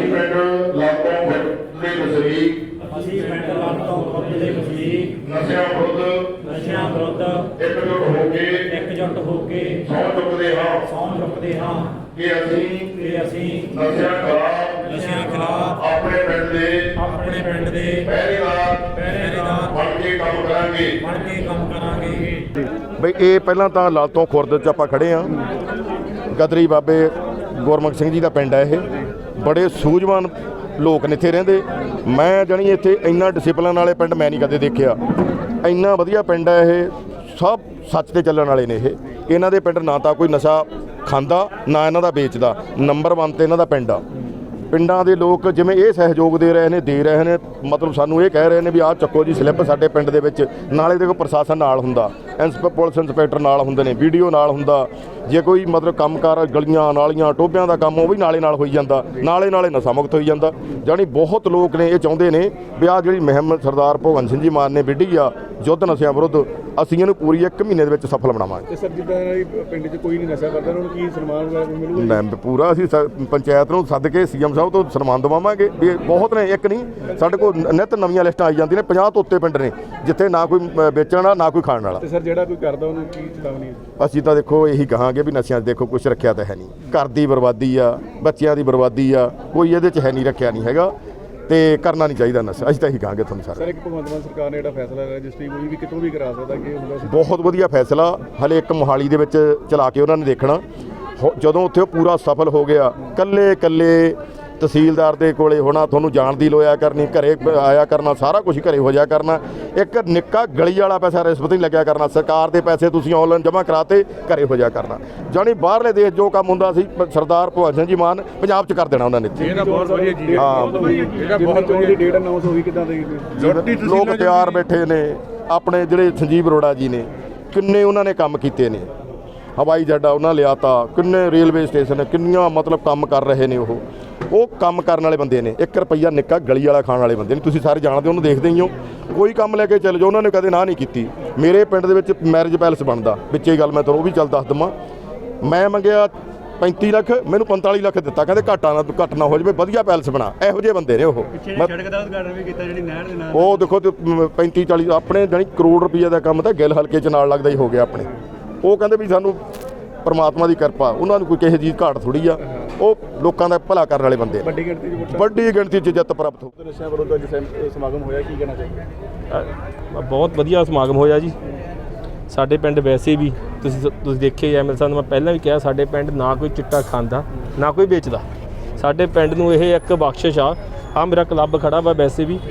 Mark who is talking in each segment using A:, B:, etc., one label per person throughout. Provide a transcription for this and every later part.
A: ਪਿੰਡ ਲਾਟੋਂ ਦੇ ਵਸਨੀਕ ਨਸ਼ਿਆਂ ਵਿਰੁੱਧ ਇਕਜੁੱਟ ਹੋ ਕੇ ਸਹੁੰ ਚੁੱਕਦੇ ਹਾਂ ਕਿ ਅਸੀਂ ਨਸ਼ਿਆਂ ਖਿਲਾਫ ਆਪਣੇ ਪਿੰਡ ਦੇ ਪਹਿਰੇਦਾਰ ਬਣ ਕੇ ਕੰਮ ਕਰਾਂਗੇ।
B: ਬਈ ਇਹ ਪਹਿਲਾਂ ਤਾਂ ਲਾਲਤੋਂ ਖੁਰਦ 'ਚ ਆਪਾਂ ਖੜੇ ਹਾਂ। ਗਦਰੀ ਬਾਬੇ ਗੁਰਮੁਖ ਸਿੰਘ ਜੀ ਦਾ ਪਿੰਡ ਹੈ। ਇਹ ਬੜੇ ਸੂਝਵਾਨ ਲੋਕ ਨੇ ਇੱਥੇ ਰਹਿੰਦੇ। ਮੈਂ ਜਾਣੀ ਇੱਥੇ ਇੰਨਾ ਡਿਸਿਪਲਿਨ ਵਾਲੇ ਪਿੰਡ ਮੈਂ ਨਹੀਂ ਕਦੇ ਦੇਖਿਆ। ਇੰਨਾ ਵਧੀਆ ਪਿੰਡ ਹੈ ਇਹ, ਸਭ ਸੱਚ ਤੇ ਚੱਲਣ ਵਾਲੇ ਨੇ। ਇਹਨਾਂ ਦੇ ਪਿੰਡ ਨਾ ਤਾਂ ਕੋਈ ਨਸ਼ਾ ਖਾਂਦਾ ਨਾ ਇਹਨਾਂ ਦਾ ਵੇਚਦਾ। ਨੰਬਰ 1 ਤੇ ਇਹਨਾਂ ਦਾ ਪਿੰਡ ਆ। ਪਿੰਡਾਂ ਦੇ ਲੋਕ ਜਿਵੇਂ ਇਹ ਸਹਿਯੋਗ ਦੇ ਰਹੇ ਨੇ ਮਤਲਬ ਸਾਨੂੰ ਇਹ ਕਹਿ ਰਹੇ ਨੇ ਵੀ ਆਹ ਚੱਕੋ ਜੀ ਸਲਿੱਪ ਸਾਡੇ ਪਿੰਡ ਦੇ ਵਿੱਚ। ਨਾਲੇ ਦੇਖੋ ਪ੍ਰਸ਼ਾਸਨ ਨਾਲ ਹੁੰਦਾ, ਪੁਲਿਸ ਇੰਸਪੈਕਟਰ ਨਾਲ ਹੁੰਦੇ ਨੇ, ਵੀਡੀਓ ਨਾਲ ਹੁੰਦਾ। ਜੇ ਕੋਈ ਮਤਲਬ ਕੰਮਕਾਰ ਗਲੀਆਂ ਨਾਲੀਆਂ ਟੋਭਿਆਂ ਦਾ ਕੰਮ ਉਹ ਵੀ ਨਾਲੇ ਹੋਈ ਜਾਂਦਾ, ਨਾਲੇ ਨਸ਼ਾ ਮੁਕਤ ਹੋਈ ਜਾਂਦਾ। ਜਾਣੀ ਬਹੁਤ ਲੋਕ ਨੇ ਇਹ ਚਾਹੁੰਦੇ ਨੇ ਵੀ ਆਹ ਜਿਹੜੀ ਮੁਹਿੰਮ ਸਰਦਾਰ ਭਗਵੰਤ ਸਿੰਘ ਜੀ ਮਾਨ ਨੇ ਵਿੱਢੀ ਆ ਯੁੱਧ ਨਸ਼ਿਆਂ ਵਿਰੁੱਧ, ਅਸੀਂ ਇਹਨੂੰ ਪੂਰੀ 1 ਮਹੀਨੇ ਦੇ ਵਿੱਚ ਸਫਲ ਬਣਾਵਾਂਗੇ।
C: ਤੇ ਸਰ ਜਿੱਦਾਂ ਪਿੰਡ 'ਚ ਕੋਈ ਨਹੀਂ ਨਸ਼ਾ ਕਰਦਾ ਉਹਨਾਂ ਨੂੰ ਕੀ ਸਨਮਾਨ ਵਗੈਰਾ ਮਿਲੂਗਾ?
B: ਪੂਰਾ ਅਸੀਂ ਪੰਚਾਇਤ ਨੂੰ ਸੱਦ ਕੇ ਸੀਐਮ ਸਾਹਿਬ ਤੋਂ ਸਨਮਾਨ ਦਵਾਵਾਂਗੇ। ਵੀ ਬਹੁਤ ਨੇ, ਇੱਕ ਨਹੀਂ, ਸਾਡੇ ਕੋਲ ਨਿੱਤ ਨਵੀਆਂ ਲਿਸਟਾਂ ਆਈ ਜਾਂਦੀਆਂ ਨੇ। 50 ਤੋਂ ਉੱਤੇ ਪਿੰਡ ਨੇ ਜਿੱਥੇ ਨਾ ਕੋਈ ਵੇਚਣ ਵਾਲਾ ਨਾ ਕੋਈ ਖਾਣ ਵਾਲਾ।
C: ਤੇ ਸਰ ਜਿਹੜਾ ਕੋਈ ਕਰਦਾ ਉਹਨੂੰ ਕੀ ਚੇਤਾਵਨੀ ਹੈ?
B: ਅਸੀਂ ਤਾਂ ਦੇਖੋ ਇਹੀ ਕਹਾਂਗੇ ਵੀ ਨਸ਼ਿਆਂ 'ਚ ਦੇਖੋ ਕੁਛ ਰੱਖਿਆ ਤਾਂ ਹੈ ਨਹੀਂ। ਘਰ ਦੀ ਬਰਬਾਦੀ ਆ, ਬੱਚਿਆਂ ਦੀ ਬਰਬਾਦੀ ਆ, ਕੋਈ ਇਹਦੇ 'ਚ ਹੈ ਨਹੀਂ, ਰੱਖਿਆ ਨਹੀਂ ਹੈਗਾ ਤੇ ਕਰਨਾ ਨਹੀਂ ਚਾਹੀਦਾ ਨਸ਼ਾ। ਅਸੀਂ ਤਾਂ ਇਹੀ ਕਹਾਂਗੇ ਤੁਹਾਨੂੰ ਸਾਰੇ।
C: ਸਰ ਇੱਕ ਭਗਵੰਤ ਮਾਨ ਸਰਕਾਰ ਨੇ ਜਿਹੜਾ ਫੈਸਲਾ ਰਜਿਸਟਰੀ ਕੋਈ ਵੀ ਕਿਤੋਂ ਵੀ ਕਰਾ ਸਕਦਾ ਕਿ ਹੁੰਦਾ ਸੀ।
B: ਬਹੁਤ ਵਧੀਆ ਫੈਸਲਾ। ਹਲੇ ਇੱਕ ਮੋਹਾਲੀ ਦੇ ਵਿੱਚ ਚਲਾ ਕੇ ਉਹਨਾਂ ਨੇ ਦੇਖਣਾ। ਜਦੋਂ ਉੱਥੇ ਉਹ ਪੂਰਾ ਸਫਲ ਹੋ ਗਿਆ, ਕੱਲੇ ਤਹਿਸੀਲਦਾਰ ਦੇ ਕੋਲੇ ਹੋਣਾ, ਤੁਹਾਨੂੰ ਜਾਣ ਦੀ ਲੋਇਆ ਕਰਨੀ, ਘਰੇ ਆਇਆ ਕਰਨਾ, ਸਾਰਾ ਕੁਝ ਘਰੇ ਹੋ ਜਾਇਆ ਕਰਨਾ। ਇੱਕ ਨਿੱਕਾ ਗਲੀ ਵਾਲਾ ਪੈਸਾ ਰਿਸ਼ਵਤ ਨਹੀਂ ਲੱਗਿਆ ਕਰਨਾ। ਸਰਕਾਰ ਦੇ ਪੈਸੇ ਤੁਸੀਂ ਆਨਲਾਈਨ ਜਮ੍ਹਾਂ ਕਰਾਤੇ, ਘਰੇ ਹੋ ਜਾਇਆ ਕਰਨਾ। ਜਾਣੀ ਬਾਹਰਲੇ ਦੇਸ਼ ਜੋ ਕੰਮ ਹੁੰਦਾ ਸੀ ਸਰਦਾਰ ਭਗਵੰਤ ਸਿੰਘ ਜੀ ਮਾਨ ਪੰਜਾਬ 'ਚ ਕਰ ਦੇਣਾ ਉਹਨਾਂ ਨੇ।
C: ਬਹੁਤ ਵਧੀਆ ਜੀ। ਹਾਂ, ਬਹੁਤ ਵਧੀਆ ਡੇਟ ਅਨਾਉਂਸ ਹੋਈ ਕਿਦਾਂ ਦੇ
B: ਲੋਕ ਤਿਆਰ ਬੈਠੇ ਨੇ। ਆਪਣੇ ਜਿਹੜੇ ਸੰਜੀਵ ਅਰੋੜਾ ਜੀ ਨੇ, ਕਿੰਨੇ ਉਹਨਾਂ ਨੇ ਕੰਮ ਕੀਤੇ ਨੇ। ਹਵਾਈ ਜੱਡਾ ਉਹਨਾਂ ਲਿਆਤਾ, ਕਿੰਨੇ ਰੇਲਵੇ ਸਟੇਸ਼ਨ, ਕਿੰਨੀਆਂ ਮਤਲਬ ਕੰਮ ਕਰ ਰਹੇ ਨੇ। ਉਹ ਕੰਮ ਕਰਨ ਵਾਲੇ ਬੰਦੇ ਨੇ। 1 ਰੁਪਈਆ ਨਿੱਕਾ ਗਲੀ ਵਾਲਾ ਖਾਣ ਵਾਲੇ ਬੰਦੇ ਨੇ। ਤੁਸੀਂ ਸਾਰੇ ਜਾਣਦੇ, ਉਹਨੂੰ ਦੇਖਦੇ ਹੀ ਹੋ। ਕੋਈ ਕੰਮ ਲੈ ਕੇ ਚੱਲ ਜਾਓ, ਉਹਨਾਂ ਨੇ ਕਦੇ ਨਾ ਨਹੀਂ ਕੀਤੀ। ਮੇਰੇ ਪਿੰਡ ਦੇ ਵਿੱਚ ਮੈਰਿਜ ਪੈਲਸ ਬਣਦਾ, ਵਿੱਚੇ ਗੱਲ ਮੈਂ ਤੁਹਾਨੂੰ ਉਹ ਵੀ ਚੱਲ ਦੱਸ ਦੇਵਾਂ। ਮੈਂ ਮੰਗਿਆ 35 ਲੱਖ, ਮੈਨੂੰ 45 ਲੱਖ ਦਿੱਤਾ। ਕਹਿੰਦੇ ਘੱਟ ਨਾ ਹੋ ਜਾਵੇ, ਵਧੀਆ ਪੈਲਸ ਬਣਾ। ਇਹੋ ਜਿਹੇ ਬੰਦੇ ਨੇ ਉਹ। ਉਹ ਦੇਖੋ 35-40 ਆਪਣੇ ਜਾਣੀ ਕਰੋੜ ਰੁਪਈਆ ਦਾ ਕੰਮ ਤਾਂ ਗਿੱਲ ਹਲਕੇ 'ਚ ਨਾਲ ਲੱਗਦਾ ਹੀ ਹੋ ਗਿਆ ਆਪਣੇ। ਉਹ ਕਹਿੰਦੇ ਵੀ ਸਾਨੂੰ ਪਰਮਾਤਮਾ ਦੀ ਕਿਰਪਾ, ਉਹਨਾਂ ਨੂੰ ਕੋਈ ਕਿਸੇ ਚੀਜ਼ ਘਾਟ ਥੋੜ੍ਹੀ ਆ। ਉਹ ਲੋਕਾਂ ਦਾ ਭਲਾ ਕਰਨ ਵਾਲੇ ਬੰਦੇ।
C: ਵੱਡੀ
B: ਗਿਣਤੀ 'ਚ ਜਿੱਤ ਪ੍ਰਾਪਤ ਹੋ।
C: ਨਸ਼ਿਆਂ ਵਿਰੁੱਧ ਅੱਜ ਸਮਾਗਮ ਹੋਇਆ, ਕੀ ਕਹਿਣਾ ਚਾਹੀਦਾ?
D: ਬਹੁਤ ਵਧੀਆ ਸਮਾਗਮ ਹੋਇਆ ਜੀ। ਸਾਡੇ ਪਿੰਡ ਵੈਸੇ ਵੀ ਤੁਸੀਂ ਦੇਖਿਆ ਐਮਐਲ ਸਾਹਿਬ ਨੂੰ ਮੈਂ ਪਹਿਲਾਂ ਵੀ ਕਿਹਾ, ਸਾਡੇ ਪਿੰਡ ਨਾ ਕੋਈ ਚਿੱਟਾ ਖਾਂਦਾ ਨਾ ਕੋਈ ਵੇਚਦਾ। ਸਾਡੇ ਪਿੰਡ ਨੂੰ ਇਹ ਇੱਕ ਬਖਸ਼ਿਸ਼ ਆ ਮੇਰਾ ਕਲੱਬ ਖੜਾ ਵਾ। ਵੈਸੇ ਵੀ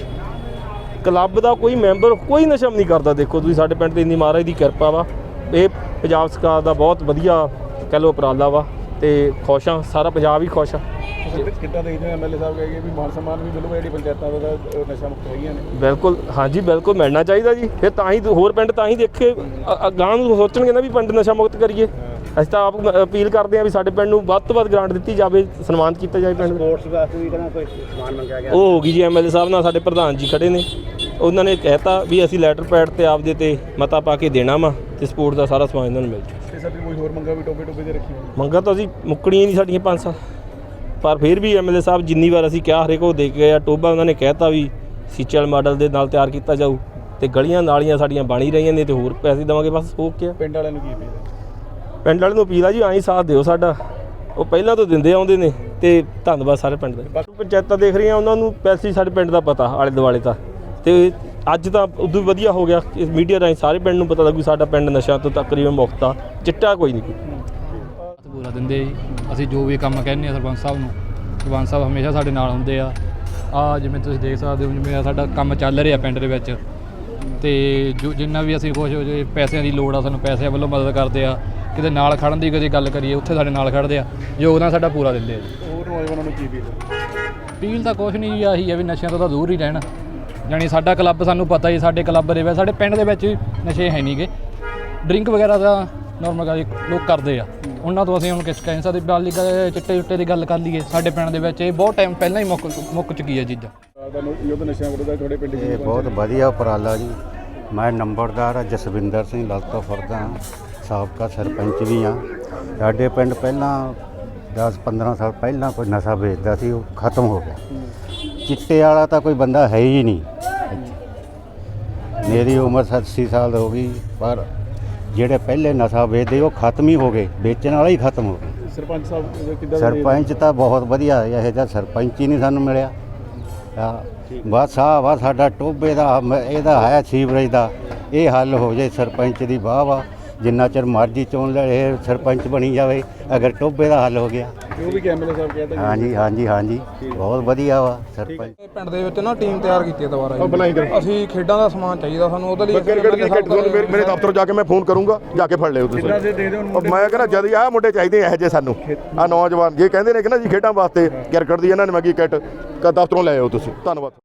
D: ਕਲੱਬ ਦਾ ਕੋਈ ਮੈਂਬਰ ਕੋਈ ਨਸ਼ਾ ਨਹੀਂ ਕਰਦਾ। ਦੇਖੋ ਤੁਸੀਂ ਸਾਡੇ ਪਿੰਡ 'ਤੇ ਇੰਨੀ ਮਹਾਰਾਜ ਦੀ ਕਿਰਪਾ ਵਾ। ਇਹ ਪੰਜਾਬ ਸਰਕਾਰ ਦਾ ਬਹੁਤ ਵਧੀਆ ਕਹਿ ਲਓ ਉਪਰਾਲਾ ਵਾ ਤੇ ਖੁਸ਼ ਹਾਂ, ਸਾਰਾ ਪੰਜਾਬ ਹੀ ਖੁਸ਼ ਆ।
C: ਕਿੱਦਾਂ ਦੇਖਦੇ ਐਮਐਲਏ ਸਾਹਿਬ ਕਹੇ ਵੀ ਮਾਨ ਸਨਮਾਨ ਵੀ ਮਿਲੂਗਾ ਜਿਹੜੀ ਪੰਚਾਇਤਾਂ ਦਾ ਨਸ਼ਾ ਮੁਕਤ ਹੈਗੀਆਂ ਨੇ?
D: ਬਿਲਕੁਲ, ਹਾਂਜੀ ਬਿਲਕੁਲ ਮਿਲਣਾ ਚਾਹੀਦਾ ਜੀ। ਫਿਰ ਤਾਂ ਹੀ ਹੋਰ ਪਿੰਡ ਤਾਂ ਹੀ ਦੇਖੇ ਅਗਾਂਹ ਨੂੰ ਸੋਚਣਗੇ ਨਾ ਵੀ ਪਿੰਡ ਨਸ਼ਾ ਮੁਕਤ ਕਰੀਏ। ਅਸੀਂ ਤਾਂ ਆਪ ਅਪੀਲ ਕਰਦੇ ਹਾਂ ਵੀ ਸਾਡੇ ਪਿੰਡ ਨੂੰ ਵੱਧ ਤੋਂ ਵੱਧ ਗ੍ਰਾਂਟ ਦਿੱਤੀ ਜਾਵੇ, ਸਨਮਾਨਿਤ ਕੀਤਾ ਜਾਵੇ ਪਿੰਡ।
C: ਸਪੋਰਟਸ ਵਾਸਤੇ ਵੀ ਕਹਿੰਦਾ ਕੋਈ ਸਨਮਾਨ ਮੰਗਿਆ ਗਿਆ।
D: ਉਹ ਹੋ ਗਈ ਜੀ, ਐਮਐਲਏ ਸਾਹਿਬ ਨਾਲ ਸਾਡੇ ਪ੍ਰਧਾਨ ਜੀ ਖੜੇ ਨੇ। ਉਹਨਾਂ ਨੇ ਕਹਿਤਾ ਵੀ ਅਸੀਂ ਲੈਟਰ ਪੈਡ ਤੇ ਆਪਦੇ ਤੇ ਮਤਾ ਪਾ ਕੇ ਦੇਣਾ ਵਾ ਤੇ ਸਪੋਰਟ ਦਾ ਸਾਰਾ ਸਮਾਨ ਇਹਨਾਂ ਨੂੰ ਮਿਲ ਜੂ।
C: ਤੇ ਸਰ ਕੋਈ ਹੋਰ ਮੰਗਾ ਵੀ ਟੋਪੇ ਦੇ ਰੱਖੀ
D: ਮੰਗਾ ਤਾਂ ਅਸੀਂ ਮੁੱਕਣੀਆਂ ਨਹੀਂ ਸਾਡੀਆਂ 5 ਸਾਲ, ਪਰ ਫਿਰ ਵੀ ਐਮਐਲਏ ਸਾਹਿਬ ਜਿੰਨੀ ਵਾਰ ਅਸੀਂ ਕਿਹਾ ਹਰੇਕ ਉਹ ਦੇ ਕੇ ਗਏ ਆ। ਟੋਭਾ ਉਹਨਾਂ ਨੇ ਕਹਿਤਾ ਵੀ ਸੀਚਲ ਮਾਡਲ ਦੇ ਨਾਲ ਤਿਆਰ ਕੀਤਾ ਜਾਊ ਤੇ ਗਲੀਆਂ ਨਾਲੀਆਂ ਸਾਡੀਆਂ ਬਣ ਹੀ ਰਹੀਆਂ ਨੇ ਤੇ ਹੋਰ ਪੈਸੇ ਦੇਵਾਂਗੇ। ਬਸ ਹੋ ਗਿਆ।
C: ਪਿੰਡ ਵਾਲਿਆਂ ਨੂੰ ਕੀ ਅਪੀਲ ਹੈ?
D: ਪਿੰਡ ਵਾਲੇ ਨੂੰ ਅਪੀਲ ਆ ਜੀ, ਆਈ ਸਾਥ ਦਿਓ ਸਾਡਾ। ਉਹ ਪਹਿਲਾਂ ਤੋਂ ਦਿੰਦੇ ਆਉਂਦੇ ਨੇ ਤੇ ਧੰਨਵਾਦ ਸਾਰੇ ਪਿੰਡ ਦਾ। ਪੰਚਾਇਤਾਂ ਦੇਖ ਰਹੀਆਂ, ਉਹਨਾਂ ਨੂੰ ਪੈਸੇ ਸਾਡੇ ਪਿੰਡ ਦਾ ਪਤਾ ਆਲੇ ਦੁਆਲੇ ਤਾਂ। ਤੇ ਅੱਜ ਤਾਂ ਉਦੋਂ ਵੀ ਵਧੀਆ ਹੋ ਗਿਆ, ਇਸ ਮੀਡੀਆ ਰਾਹੀਂ ਸਾਰੇ ਪਿੰਡ ਨੂੰ ਪਤਾ ਲੱਗੂ ਸਾਡਾ ਪਿੰਡ ਨਸ਼ਿਆਂ ਤੋਂ ਤਕਰੀਬਨ ਮੁਕਤ ਆ। ਚਿੱਟਾ ਕੋਈ ਨਹੀਂ।
E: ਪੂਰਾ ਦਿੰਦੇ ਜੀ। ਅਸੀਂ ਜੋ ਵੀ ਕੰਮ ਕਹਿੰਦੇ ਆ ਸਰਪੰਚ ਸਾਹਿਬ ਨੂੰ, ਸਰਪੰਚ ਸਾਹਿਬ ਹਮੇਸ਼ਾ ਸਾਡੇ ਨਾਲ ਹੁੰਦੇ ਆ। ਜਿਵੇਂ ਤੁਸੀਂ ਦੇਖ ਸਕਦੇ ਹੋ, ਜਿਵੇਂ ਸਾਡਾ ਕੰਮ ਚੱਲ ਰਿਹਾ ਪਿੰਡ ਦੇ ਵਿੱਚ ਤੇ ਜੋ ਜਿੰਨਾ ਵੀ ਅਸੀਂ ਕੁਛ ਪੈਸਿਆਂ ਦੀ ਲੋੜ ਆ, ਸਾਨੂੰ ਪੈਸਿਆਂ ਵੱਲੋਂ ਮਦਦ ਕਰਦੇ ਆ। ਕਿਤੇ ਨਾਲ ਖੜਨ ਦੀ ਕਦੇ ਗੱਲ ਕਰੀਏ, ਉੱਥੇ ਸਾਡੇ ਨਾਲ ਖੜਦੇ ਆ। ਯੋਗਦਾਨ ਸਾਡਾ ਪੂਰਾ ਦਿੰਦੇ ਆ ਜੀ।
C: ਹੋਰ ਨੌਜਵਾਨਾਂ ਨੂੰ ਕੀ
E: ਅਪੀਲ ਤਾਂ ਕੁਛ ਨਹੀਂ ਜੀ, ਆਹੀ ਹੈ ਵੀ ਨਸ਼ਿਆਂ ਤੋਂ ਤਾਂ ਦੂਰ ਹੀ ਰਹਿਣਾ। ਜਾਣੀ ਸਾਡਾ ਕਲੱਬ, ਸਾਨੂੰ ਪਤਾ ਜੀ ਸਾਡੇ ਕਲੱਬ ਦੇ ਵਿੱਚ, ਸਾਡੇ ਪਿੰਡ ਦੇ ਵਿੱਚ ਨਸ਼ੇ ਹੈ ਨਹੀਂ ਗੇ। ਡਰਿੰਕ ਵਗੈਰਾ ਦਾ ਨੋਰਮਲ ਗੱਲ ਲੋਕ ਕਰਦੇ ਆ, ਉਹਨਾਂ ਤੋਂ ਅਸੀਂ ਹੁਣ ਕਿਸ ਕਹਿ ਸਕਦੇ। ਬਾਲੀ ਚਿੱਟੇ ਚੁੱਟੇ ਦੀ ਗੱਲ ਕਰ ਲਈਏ, ਸਾਡੇ ਪਿੰਡ ਦੇ ਵਿੱਚ ਇਹ ਬਹੁਤ ਟਾਈਮ ਪਹਿਲਾਂ ਹੀ ਮੁੱਕ ਚੁੱਕੀ ਹੈ ਚੀਜ਼ਾਂ।
C: ਨਸ਼ਿਆਂ ਵਿਰੁੱਧ ਤੁਹਾਡੇ ਪਿੰਡ
F: ਇਹ ਬਹੁਤ ਵਧੀਆ ਉਪਰਾਲਾ ਜੀ। ਮੈਂ ਨੰਬਰਦਾਰ ਜਸਵਿੰਦਰ ਸਿੰਘ ਲਾਲਤੋਂ ਫਰਦਾ, ਸਾਬਕਾ ਸਰਪੰਚ ਵੀ ਹਾਂ। ਸਾਡੇ ਪਿੰਡ ਪਹਿਲਾਂ 10-15 ਸਾਲ ਪਹਿਲਾਂ ਕੋਈ ਨਸ਼ਾ ਵੇਚਦਾ ਸੀ, ਉਹ ਖਤਮ ਹੋ ਗਿਆ। ਚਿੱਟੇ ਵਾਲਾ ਤਾਂ ਕੋਈ ਬੰਦਾ ਹੈ ਹੀ ਨਹੀਂ ਇੱਥੇ। ਮੇਰੀ ਉਮਰ 87 ਸਾਲ ਹੋ ਗਈ, ਪਰ ਜਿਹੜੇ ਪਹਿਲੇ ਨਸ਼ਾ ਵੇਚਦੇ ਉਹ ਖਤਮ ਹੀ ਹੋ ਗਏ, ਵੇਚਣ ਵਾਲਾ ਹੀ ਖਤਮ ਹੋ ਗਿਆ।
C: ਸਰਪੰਚ ਸਾਹਿਬ ਕਿੱਦਾਂ
F: ਸਰਪੰਚ ਤਾਂ ਬਹੁਤ ਵਧੀਆ, ਇਹੋ ਜਿਹਾ ਸਰਪੰਚ ਹੀ ਨਹੀਂ ਸਾਨੂੰ ਮਿਲਿਆ। ਬਸ ਵਾ ਸਾਡਾ ਟੋਭੇ ਦਾ ਇਹਦਾ ਹੈ ਸੀਵਰੇਜ ਦਾ, ਇਹ ਹੱਲ ਹੋ ਜਾਏ। ਸਰਪੰਚ ਦੀ ਵਾਹ ਵਾ, ਜਿੰਨਾ ਚਿਰ ਮਰਜ਼ੀ ਚੋਣ ਲੈ ਇਹ ਸਰਪੰਚ ਬਣੀ ਜਾਵੇ, ਅਗਰ ਟੋਭੇ ਦਾ ਹੱਲ ਹੋ ਗਿਆ।
C: ਉਹ ਵੀ ਐਮਐਲਏ ਸਾਹਿਬ ਕਹਿੰਦੇ
F: ਹਾਂਜੀ ਹਾਂਜੀ ਹਾਂਜੀ, ਬਹੁਤ ਵਧੀਆ ਵਾ ਸਰਪੰਚ।
G: ਪਿੰਡ ਦੇ ਵਿੱਚ ਨਾ ਟੀਮ ਤਿਆਰ ਕੀਤੀ ਹੈ ਦੁਬਾਰਾ ਜੀ।
B: ਬਣਾਈ ਕਰ
G: ਅਸੀਂ ਖੇਡਾਂ ਦਾ ਸਮਾਨ ਚਾਹੀਦਾ ਸਾਨੂੰ, ਉਹਦੇ ਲਈ
B: ਕ੍ਰਿਕਟ ਦੀ ਕਿੱਟ ਤੁਹਾਨੂੰ ਮੇਰੇ ਦਫ਼ਤਰ ਜਾ ਕੇ ਮੈਂ ਫੋਨ ਕਰੂੰਗਾ, ਜਾ ਕੇ ਫੜ ਲਿਓ ਤੁਸੀਂ। ਮੈਂ ਕਹਿੰਦਾ ਜਦ ਆਹ ਮੁੰਡੇ ਚਾਹੀਦੇ ਇਹੋ ਜਿਹੇ ਸਾਨੂੰ, ਆਹ ਨੌਜਵਾਨ ਜੇ ਕਹਿੰਦੇ ਨੇ ਕਿ ਨਾ ਜੀ ਖੇਡਾਂ ਵਾਸਤੇ ਕ੍ਰਿਕਟ ਦੀ ਇਹਨਾਂ ਨੇ ਮੰਗੀ ਕਿੱਟ ਦਫ਼ਤਰੋਂ ਲੈ ਆਓ ਤੁਸੀਂ। ਧੰਨਵਾਦ।